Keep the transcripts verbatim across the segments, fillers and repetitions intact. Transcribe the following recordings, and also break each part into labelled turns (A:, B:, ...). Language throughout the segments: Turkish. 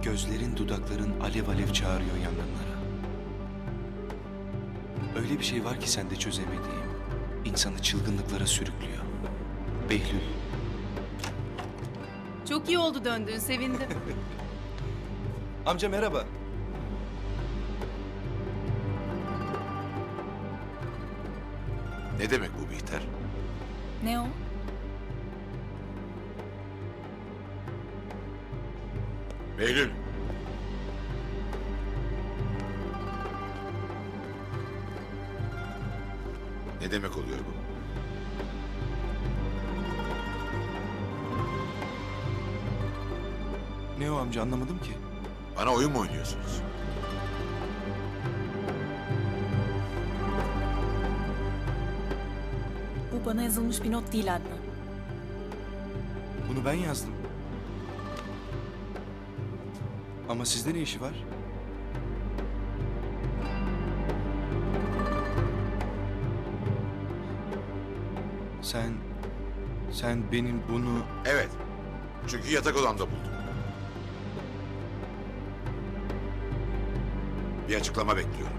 A: Gözlerin, dudakların alev alev çağırıyor yangınlara. Öyle bir şey var ki sende çözemediğim, insanı çılgınlıklara sürüklüyor. Behlül.
B: Çok iyi oldu döndüğün, sevindim.
A: Amca merhaba.
C: Ne demek bu Bihter?
B: Ne o?
C: Behlül. Ne demek oluyor bu?
A: Ne o amca, anlamadım ki.
C: Bana oyun mu oynuyorsunuz?
B: Bu bana yazılmış bir not değil Adnan.
A: Bunu ben yazdım. Ama sizde ne işi var? Sen... Sen benim bunu...
C: Evet. Çünkü yatak odamda buldum. Bir açıklama bekliyorum.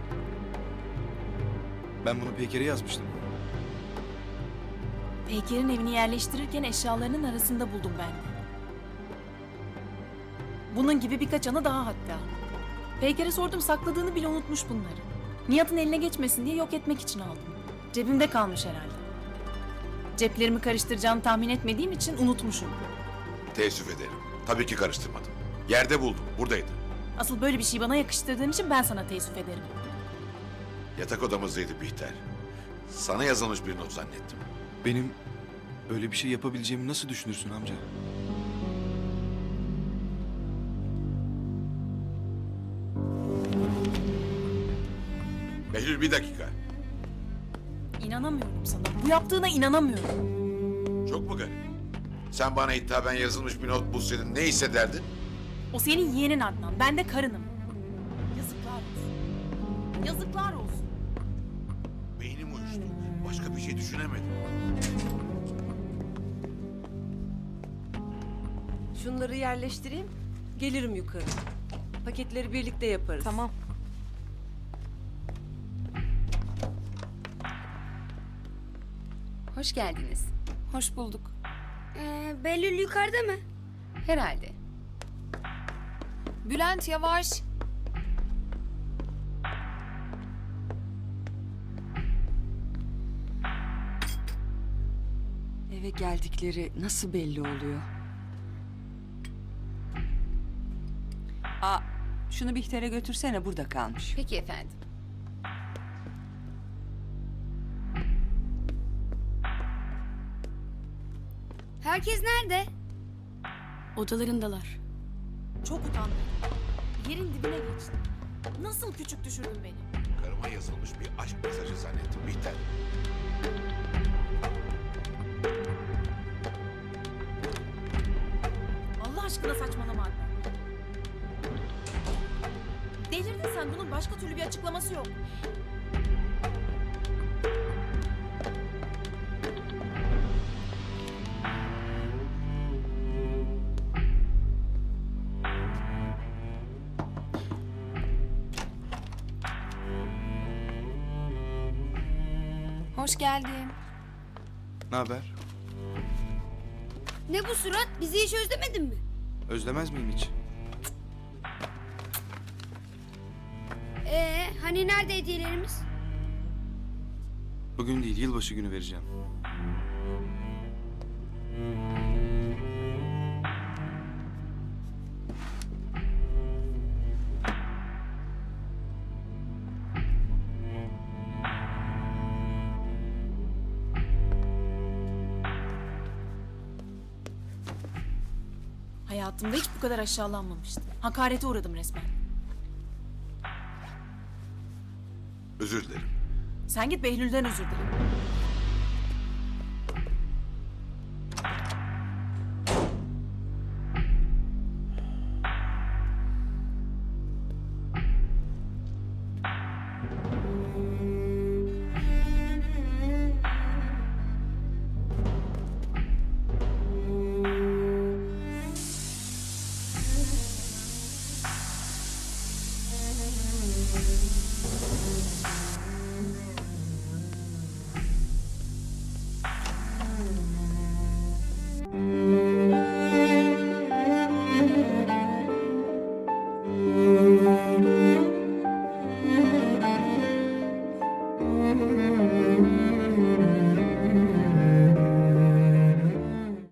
A: Ben bunu Peyker'e yazmıştım.
B: Peyker'in evini yerleştirirken eşyalarının arasında buldum ben de. Bunun gibi birkaç anı daha hatta. Peyker'e sordum, sakladığını bile unutmuş bunları. Nihat'ın eline geçmesin diye yok etmek için aldım. Cebimde kalmış herhalde. Ceplerimi karıştıracağını tahmin etmediğim için unutmuşum.
C: Teessüf ederim. Tabii ki karıştırmadım. Yerde buldum. Buradaydı.
B: Asıl böyle bir şeyi bana yakıştırdığın için ben sana teessüf ederim.
C: Yatak odamızdaydı Bihter. Sana yazılmış bir not zannettim.
A: Benim böyle bir şey yapabileceğimi nasıl düşünürsün amca?
C: Behlül bir dakika.
B: İnanamıyorum sana. Bu yaptığına inanamıyorum.
C: Çok mu garip? Sen bana hitaben yazılmış bir not bulsaydın ne hissederdin?
B: O senin yeğenin Adnan. Ben de karınım. Yazıklar olsun. Yazıklar olsun.
C: Beynim uyuştu. Başka bir şey düşünemedim.
D: Şunları yerleştireyim, gelirim yukarı. Paketleri birlikte yaparız.
B: Tamam.
E: Hoş geldiniz.
B: Hoş bulduk.
F: Ee, Behlül yukarıda mı?
E: Herhalde.
B: Bülent yavaş.
G: Eve geldikleri nasıl belli oluyor? Aa, şunu Bihter'e götürsene, burada kalmış.
E: Peki efendim.
F: Herkes nerede?
B: Odalarındalar. Çok utandım. Yerin dibine geçtim. Nasıl küçük düşürdün beni?
C: Karıma yazılmış bir aşk mesajı zannettim Bihter.
B: Allah aşkına saçmalama Adnan. Delirdin sen. Bunun başka türlü bir açıklaması yok. Hoş geldin.
A: Ne haber?
F: Ne bu surat? Bizi hiç özlemedin mi?
A: Özlemez miyim hiç?
F: Ee, hani nerede hediyelerimiz?
A: Bugün değil, yılbaşı günü vereceğim.
B: Hayatımda hiç bu kadar aşağılanmamıştım. Hakarete uğradım resmen.
C: Özür dilerim.
B: Sen git Behlül'den özür dile.